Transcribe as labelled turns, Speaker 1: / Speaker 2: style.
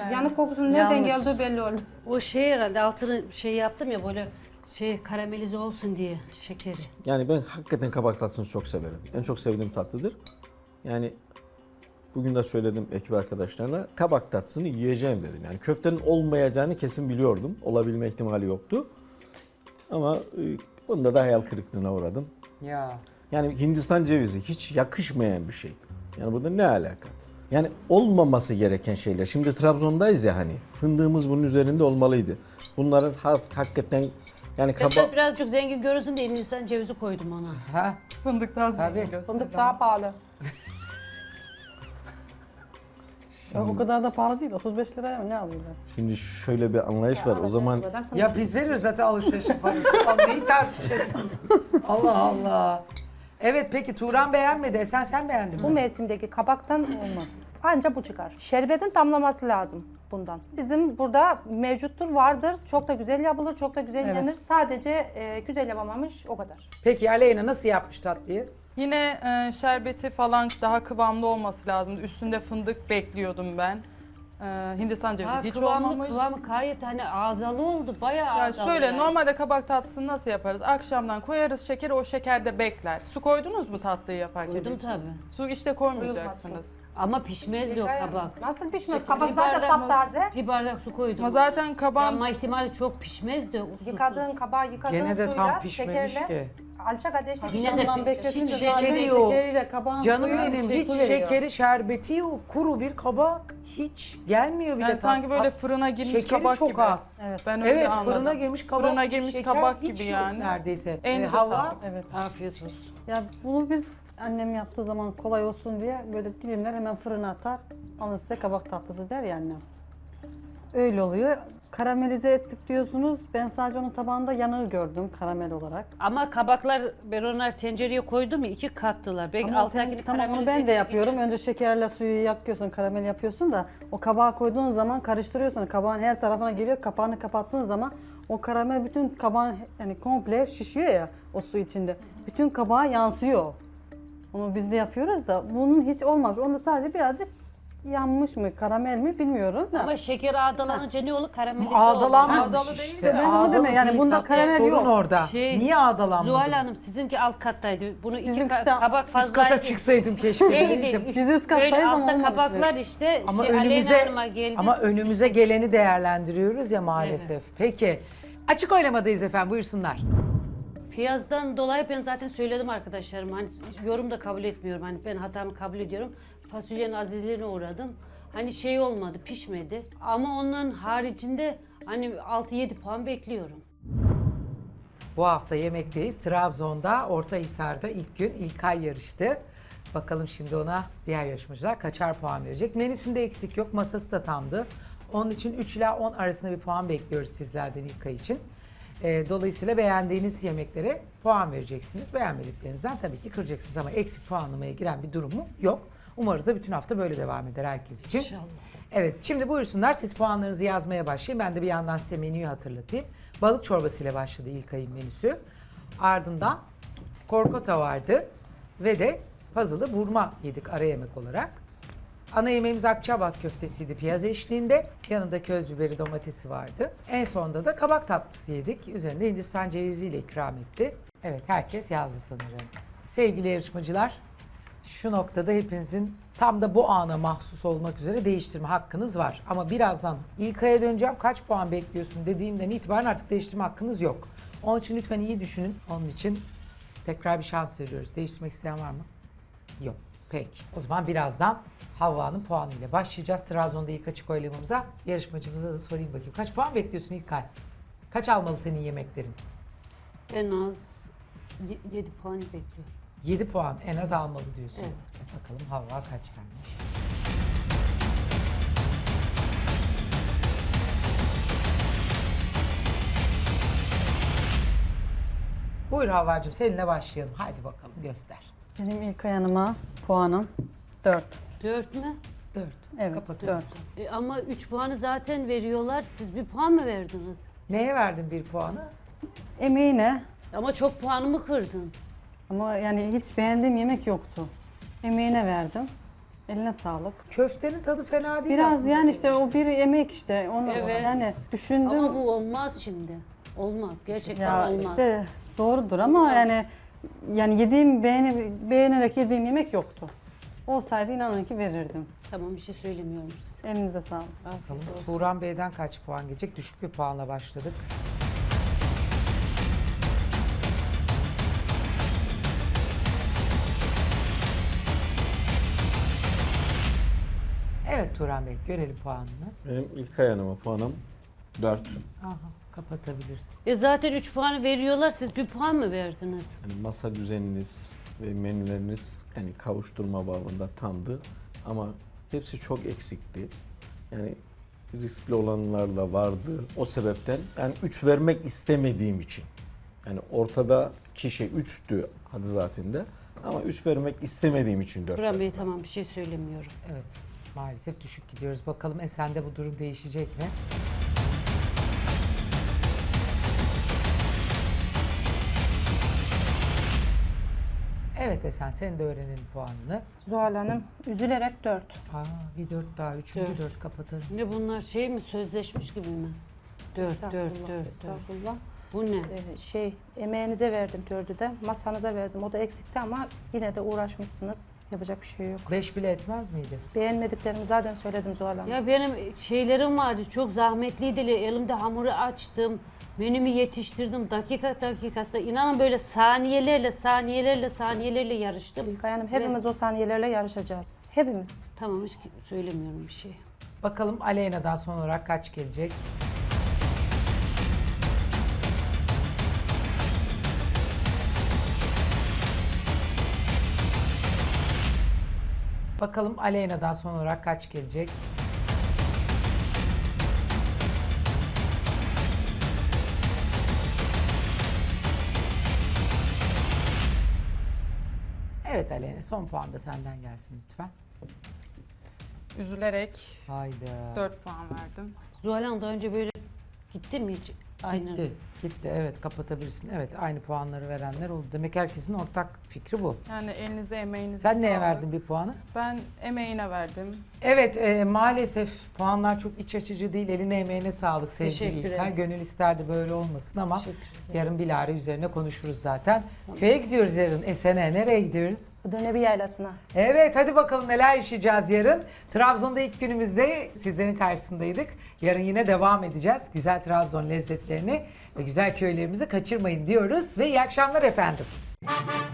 Speaker 1: Yanık kokusunun nereden
Speaker 2: Yanlış.
Speaker 1: geldiği belli oldu.
Speaker 3: O şey herhalde altını şey yaptım ya böyle şey karamelize olsun diye şekeri.
Speaker 4: Yani ben hakikaten kabak tatlısını çok severim. En çok sevdiğim tatlıdır. Yani bugün de söyledim ekip arkadaşlarına kabak tatlısını yiyeceğim dedim. Yani köftenin olmayacağını kesin biliyordum. Olabilme ihtimali yoktu. Ama bunda da hayal kırıklığına uğradım.
Speaker 2: Ya.
Speaker 4: Yani Hindistan cevizi hiç yakışmayan bir şey. Yani burada ne alaka? Yani olmaması gereken şeyler. Şimdi Trabzon'dayız ya hani. Fındığımız bunun üzerinde olmalıydı. Bunların hakikaten yani
Speaker 3: Ben birazcık zengin görünsün diye Hindistan cevizi koydum ona.
Speaker 2: Ha?
Speaker 5: Fındıktan
Speaker 2: Tabii.
Speaker 5: sonra
Speaker 1: Fındık daha pahalı.
Speaker 6: O kadar da pahalı değil. 35 liraya mı ne alıyorlar?
Speaker 4: Şimdi şöyle bir anlayış var. O zaman
Speaker 2: Ya biz veriyoruz zaten alışverişin parası. Neyi tartışıyorsunuz? Allah Allah. Evet peki Turan beğenmedi. Sen beğendin
Speaker 1: Bu
Speaker 2: mi?
Speaker 1: mevsimdeki kabaktan olmaz. Anca bu çıkar. Şerbetin damlaması lazım bundan. Bizim burada mevcuttur, vardır. Çok da güzel yapılır, çok da güzel yenir. Sadece güzel yapamamış, o kadar.
Speaker 2: Peki Aleyna nasıl yapmış tatlıyı?
Speaker 5: Yine şerbeti falan daha kıvamlı olması lazımdı. Üstünde fındık bekliyordum ben. Hindistan cevizi
Speaker 3: Ha,
Speaker 5: hiç
Speaker 3: kıvamlı
Speaker 5: olmamış.
Speaker 3: gayet hani ağdalı oldu bayağı
Speaker 5: Ya
Speaker 3: ağdalı.
Speaker 5: şöyle
Speaker 3: yani.
Speaker 5: normalde kabak tatlısını nasıl yaparız? Akşamdan koyarız şekeri, o şekerde bekler. Su koydunuz mu tatlıyı yaparken?
Speaker 3: Koydum
Speaker 5: hiç?
Speaker 3: tabii.
Speaker 5: Su işte koymayacaksınız.
Speaker 3: Ama pişmezdi o kabak.
Speaker 1: Nasıl pişmez?
Speaker 3: Bir
Speaker 1: Kabak zaten
Speaker 3: bardak-
Speaker 1: taptaze.
Speaker 3: Bir bardak su koydum.
Speaker 5: Ama zaten kabağın
Speaker 3: Yanma ihtimali çok pişmezdi. Usuzsuz.
Speaker 1: Yıkadığın kabağı yıkadığın
Speaker 2: Gene de
Speaker 1: suyla,
Speaker 2: tam pişmemiş
Speaker 1: şekerle,
Speaker 2: ki.
Speaker 1: alçak ateşte
Speaker 3: Yine de
Speaker 6: Akşamdan
Speaker 3: hiç
Speaker 6: bekletince
Speaker 2: şekeri
Speaker 6: zaten
Speaker 2: yok.
Speaker 6: şekeriyle kabağın
Speaker 2: Canım
Speaker 6: suyu
Speaker 2: benim
Speaker 6: şey,
Speaker 2: hiç
Speaker 6: su veriyor.
Speaker 2: şekeri şerbeti yok. Kuru bir kabak hiç gelmiyor bile.
Speaker 5: yani sanki böyle fırına girmiş
Speaker 2: şekeri
Speaker 5: kabak
Speaker 2: çok
Speaker 5: gibi.
Speaker 2: az.
Speaker 6: Evet.
Speaker 5: Ben öyle
Speaker 2: Evet
Speaker 5: anladım.
Speaker 2: fırına girmiş kabak.
Speaker 5: Fırına girmiş
Speaker 2: şeker
Speaker 5: kabak
Speaker 2: hiç
Speaker 5: gibi
Speaker 2: yok
Speaker 5: yani.
Speaker 2: neredeyse.
Speaker 5: Elinize
Speaker 2: Hava
Speaker 5: sağlık.
Speaker 6: Evet.
Speaker 3: Afiyet olsun.
Speaker 6: Ya bunu biz annem yaptığı zaman kolay olsun diye böyle dilimler hemen fırına atar. Alın size kabak tatlısı der ya annem. Öyle oluyor. Karamelize ettik diyorsunuz. Ben sadece onun tabağında yanığı gördüm karamel olarak.
Speaker 3: Ama kabaklar ben onları tencereye koydum ya 2 kattılar. Belki
Speaker 6: Ama
Speaker 3: alttakini
Speaker 6: tamam onu
Speaker 3: karamelize
Speaker 6: ben de
Speaker 3: etmek
Speaker 6: yapıyorum.
Speaker 3: için-
Speaker 6: Önce şekerle suyu yakıyorsun, karamel yapıyorsun da o kabağa koyduğun zaman karıştırıyorsun. Kabağın her tarafına geliyor. Kapağını kapattığın zaman o karamel bütün kabağın yani komple şişiyor ya o su içinde. Bütün kabağa yansıyor. Onu biz de yapıyoruz da bunun hiç olmamış. Onda sadece birazcık yanmış mı, karamel mi bilmiyorum da.
Speaker 3: Ama şeker ağdalanınca ne olur? Karamelize olur.
Speaker 2: Ağdalanmamış
Speaker 5: Ağdalı değil
Speaker 2: işte.
Speaker 5: de.
Speaker 6: Ben onu
Speaker 2: Ağdalı
Speaker 6: demiyorum. Yani
Speaker 2: değil.
Speaker 6: bunda
Speaker 2: Tatlı
Speaker 6: karamel
Speaker 2: sorun
Speaker 6: yok.
Speaker 2: orada.
Speaker 3: Şey,
Speaker 2: Niye ağdalanmadı?
Speaker 3: Zuhal Hanım sizinki alt kattaydı. Bunu iki
Speaker 6: Bizimki de
Speaker 3: kabak
Speaker 2: Üst
Speaker 3: fazlaydı.
Speaker 2: kata çıksaydım keşke.
Speaker 3: Şeydi,
Speaker 6: Biz üst kattayız
Speaker 3: böyle
Speaker 6: ama
Speaker 3: altta
Speaker 6: olmamış
Speaker 3: kabaklar
Speaker 6: evet.
Speaker 3: işte
Speaker 2: Ama
Speaker 3: Aleyna
Speaker 2: önümüze
Speaker 3: Hanım'a geldi.
Speaker 2: ama önümüze geleni değerlendiriyoruz ya maalesef. Peki. Açık oylamadayız efendim. Buyursunlar.
Speaker 3: Piyazdan dolayı ben zaten söyledim arkadaşlarım. Hani yorum da kabul etmiyorum. Hani ben hatamı kabul ediyorum. Fasulyenin azizliğine uğradım. Hani şey olmadı, pişmedi. Ama onun haricinde hani 6-7 puan bekliyorum.
Speaker 2: Bu hafta yemekteyiz. Trabzon'da, Ortahisar'da ilk gün İlkay yarıştı. Bakalım şimdi ona diğer yarışmacılar kaçar puan verecek. Menüsünde eksik yok, masası da tamdı. Onun için 3 ila 10 arasında bir puan bekliyoruz sizlerden İlkay için. Dolayısıyla beğendiğiniz yemeklere puan vereceksiniz. Beğenmediklerinizden tabii ki kıracaksınız ama eksik puanlamaya giren bir durumu yok. Umarız da bütün hafta böyle devam eder herkes için.
Speaker 3: İnşallah.
Speaker 2: Evet, şimdi buyursunlar siz puanlarınızı yazmaya başlayın. Ben de bir yandan size menüyü hatırlatayım. Balık çorbası ile başladı İlkay'ın menüsü. Ardından korkota vardı ve de puzzle'ı burma yedik ara yemek olarak. Ana yemeğimiz Akçaabat köftesiydi piyaz eşliğinde. Yanında köz biberi domatesi vardı. En sonunda da kabak tatlısı yedik. Üzerinde Hindistan ceviziyle ikram etti. Evet herkes yazdı sanırım. Sevgili yarışmacılar, şu noktada hepinizin tam da bu ana mahsus olmak üzere değiştirme hakkınız var. Ama birazdan İlkay'a döneceğim. Kaç puan bekliyorsun dediğimden itibaren artık değiştirme hakkınız yok. Onun için lütfen iyi düşünün. Onun için tekrar bir şans veriyoruz. Değiştirmek isteyen var mı? Yok. Peki. O zaman birazdan Havva'nın puanıyla başlayacağız. Trabzon'da ilk açık oylamamıza. Yarışmacımıza da sorayım bakayım. Kaç puan bekliyorsun İlkay? Kaç almalı senin yemeklerin?
Speaker 3: En az 7 puan bekliyorum.
Speaker 2: 7 puan en az almalı diyorsun.
Speaker 3: Evet.
Speaker 2: Bakalım Havva kaç vermiş? Buyur Havvacığım seninle başlayalım. Hadi bakalım göster.
Speaker 6: Benim ilk yanıma puanım 4.
Speaker 3: 4 mü?
Speaker 2: 4.
Speaker 6: Evet,
Speaker 2: Kapatıyorum.
Speaker 6: 4.
Speaker 3: Ama 3 puanı zaten veriyorlar. Siz bir puan mı verdiniz?
Speaker 2: Neye verdin bir puanı?
Speaker 6: Emeğine
Speaker 3: Ama çok puanımı kırdın.
Speaker 6: ama yani hiç beğendiğim yemek yoktu. Emeğine verdim. Eline sağlık.
Speaker 2: Köftenin tadı fena değil
Speaker 6: Biraz
Speaker 2: aslında.
Speaker 6: yani işte o bir emek işte. Onu
Speaker 3: Evet.
Speaker 6: yani düşündüm.
Speaker 3: Ama bu olmaz şimdi. Olmaz. Gerçekten
Speaker 6: Ya
Speaker 3: olmaz.
Speaker 6: işte doğrudur ama yani beğenerek yediğim yemek yoktu. Olsaydı inanın ki verirdim.
Speaker 3: Tamam, bir şey söylemiyorum size.
Speaker 6: Elinize sağlık.
Speaker 3: Afiyet
Speaker 2: Bakalım
Speaker 3: olsun.
Speaker 2: Turan Bey'den kaç puan gelecek? Düşük bir puanla başladık. Evet Turan Bey, görelim puanını.
Speaker 4: Benim İlkay Hanım'a puanım 4.
Speaker 2: Aha, kapatabilirsin.
Speaker 3: Zaten 3 puanı veriyorlar. Siz 1 puan mı verdiniz?
Speaker 4: Yani masa düzeniniz ve menüleriniz yani kavuşturma babında tamdı ama hepsi çok eksikti. Yani riskli olanlar da vardı. O sebepten ben 3 vermek istemediğim için. Yani ortadaki şey 3'tü hadi zaten de ama 3 vermek istemediğim için 4.
Speaker 3: Turan Bey tamam, bir şey söylemiyorum.
Speaker 2: Evet, maalesef düşük gidiyoruz. Bakalım Esen'de bu durum değişecek mi? Evet Esen, sen de öğrenelim puanını.
Speaker 1: Zuhal Hanım üzülerek 4.
Speaker 2: Aa, bir 4 daha, üçüncü
Speaker 3: Dört.
Speaker 2: 4 kapatarım.
Speaker 3: Ne bunlar şey mi, sözleşmiş gibi mi? 4, 4, 4, 4.
Speaker 1: Estağfurullah.
Speaker 3: Bu ne?
Speaker 1: Emeğinize verdim 4'ü de. Masanıza verdim. O da eksikti ama yine de uğraşmışsınız. Yapacak bir şey yok.
Speaker 2: 5 bile etmez miydi?
Speaker 1: Beğenmediklerimi zaten söyledim Zuhal Hanım.
Speaker 3: Ya benim şeylerim vardı, çok zahmetliydi. Elimde hamuru açtım, menümü yetiştirdim. Dakikasında inanın böyle saniyelerle yarıştım.
Speaker 1: İlkay Hanım hepimiz o saniyelerle yarışacağız. Hepimiz.
Speaker 3: Tamam, hiç söylemiyorum bir şey.
Speaker 2: Bakalım Aleyna'dan son olarak kaç gelecek? Bakalım Aleyna'dan son olarak kaç gelecek? Evet Aleyna, son puan da senden gelsin lütfen.
Speaker 5: Üzülerek
Speaker 2: Hayda.
Speaker 5: 4 puan verdim.
Speaker 3: Zuhal Hanım daha önce böyle gitti mi hiç? Aynen.
Speaker 2: Gitti evet, kapatabilirsin. Evet, aynı puanları verenler oldu. Demek herkesin ortak fikri bu.
Speaker 5: Yani elinize emeğinize
Speaker 2: Sen neye
Speaker 5: sağlık.
Speaker 2: verdin bir puanı?
Speaker 5: Ben emeğine verdim.
Speaker 2: Evet, maalesef puanlar çok iç açıcı değil. Eline emeğine sağlık sevgili
Speaker 3: Teşekkür
Speaker 2: İlkay.
Speaker 3: ederim.
Speaker 2: Gönül isterdi böyle olmasın ama
Speaker 3: Teşekkür ederim.
Speaker 2: yarın bilahare üzerine konuşuruz zaten. Köye gidiyoruz yarın. Esen'e nereye gidiyoruz?
Speaker 1: Edirne Yaylası'na.
Speaker 2: Evet, hadi bakalım neler yaşayacağız yarın. Trabzon'da ilk günümüzde sizlerin karşısındaydık. Yarın yine devam edeceğiz. Güzel Trabzon lezzetlerini ve güzel köylerimizi kaçırmayın diyoruz ve iyi akşamlar efendim.